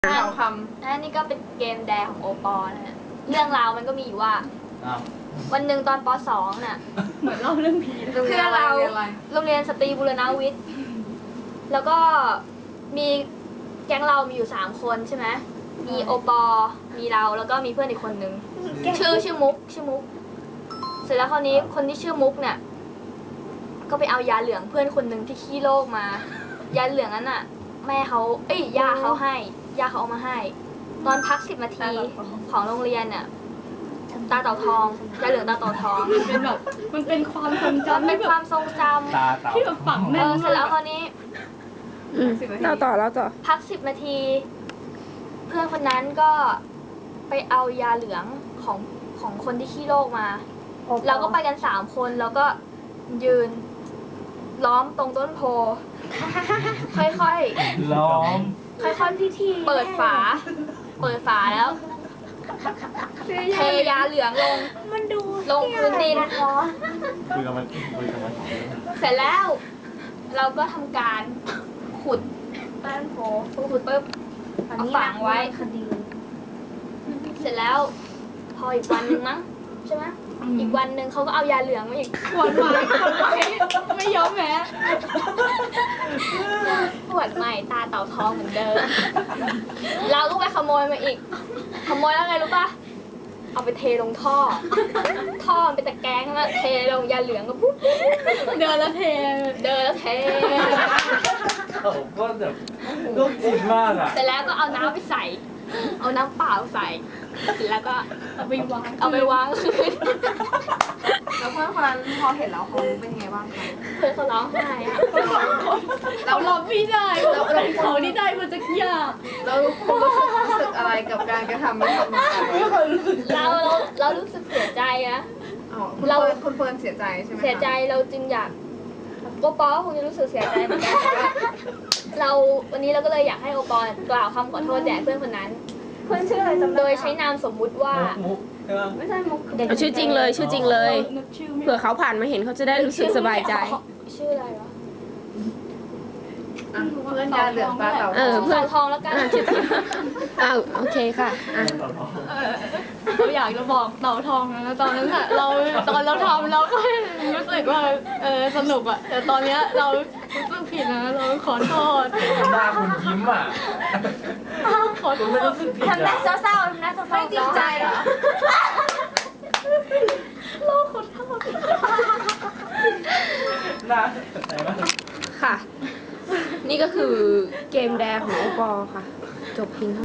ข่าวคอันนี้ก็เป็นเกมแดงของโอปอนะฮะเรื่องราวมันก็มีอยู่ว่า วันหนึ่งตอนป .2 น่ะเหมือนเล่าเรื่องผีำคืออะไรโรงเรียนสตรีบูรณวิทย์ แล้วก็มีแก๊งเรามีอยู่3 คนใช่ไหมมีโอปอ มีเราแล้วก็มีเพื่อนอีกคนนึงชื่อมุก เสร็จแล้วคราวนี้คนที่ชื่อมุกเนี่ยก็ไปเอายาเหลืองเพื่อนคนนึงที่ขี้โรคมา ยาเหลืองนั้นน่ะแม่เขาย่าเขาเอามาให้ ตอนพัก10 นาทีของโรงเรียนเนี่ยตาเต่าทองยาเหลืองตาเต่าทองเป็นแบบมันเป็นความทรงมันจำเป็นความทรงจำตาเต่าที่แบบฝังแน่นเสร็จแล้วคราวนี้เราต่อพัก10 นาที เพื่อนคนนั้นก็ไปเอายาเหลืองของคนที่ขี้โรคมา เราก็ไปกัน3 คนแล้วก็ยืนล้อมตรงต้นโพ ค่อยล้อมๆค่อยๆเปิดฝาแล้วเทยาเหลืองลงพื้นดินคุยกับมันของเรื่องเสร็จแล้ว เราก็ทำการขุดใต้ต้นโพขุดปุ๊บเอาฝังไว้ เสร็จแล้ว พออีกวันหนึ่งมั้งใช่ไหมอีกวันหนึ่งเขาก็เอายาเหลืองมาอีกขวดไม้ไม่ยอมแพ้ขวดใหม่ตาเต่าทองเหมือนเดิม เราก็ไปขโมยมาอีก ขโมยแล้วไงรู้ปะเอาไปเทลงท่อ ท่อมันเป็นตะแกรงแล้วเทลงยาเหลืองก็ปุ๊บเดินแล้วเทเดินแล้วเทเขาก็แบบลูกจิตมากอ่ะเสร็จแล้วก็เอาน้ำไปใส่ เอาน้ำเปล่าใส่เสร็จแล้วก็เอาไปวางเอาไปวางคืนแล้วเพื่อนคนนั้นพอเห็นแล้วเขาเป็นยังไงบ้างคะเพื่อนเขาร้องไห้อะเรารับไม่ได้เขานี่ได้มาจากยาแล้วคุณรู้สึกอะไรกับการกระทำนี้ของน้องไปเรารู้สึกเสียใจนะอ๋อคุณเฟิร์นเสียใจใช่ไหมคะเสียใจเราจึงอยากโอปอก็คงจะรู้สึกเสียใจเหมือนกันแต่ว่าวันนี้เราก็เลยอยากให้โอปอกล่าวคำขอโทษแด่เพื่อนคนนั้นเพื่อนชื่ออะไรจำได้โดยใช้นามสมมุติว่ามุกใช่ไหมไม่ใช่มุกเอาชื่อจริงเลยนึกชื่อไม่เผื่อเขาผ่านมาเห็นเขาจะได้รู้สึกสบายใจชื่ออะไรวะอ่ะเพื่อนยาเหลืองตาเต่าเออ เพื่อนเต่าทองแล้วกันชื่อจริงโอเคค่ะอ่ะเต่าทองเราอยากจะบอกเต่าทองนะตอนนั้นอะตอนเราทำเราก็รู้สึกว่าสนุกอะแต่ตอนเนี้ยเรารู้สึกผิดนะเราขอโทษหน้าคุณยิ้มอ่ะขอโทคุณไม่ษรู้สึกผิดทำหน้าอ่ะเศร้าๆทำหน้าเศร้าๆไม่จริงใจเหรอหน้าไหนวะค่ะ นี่ก็คือเกมแดงของโอปอค่ะ จบเพียงเท่า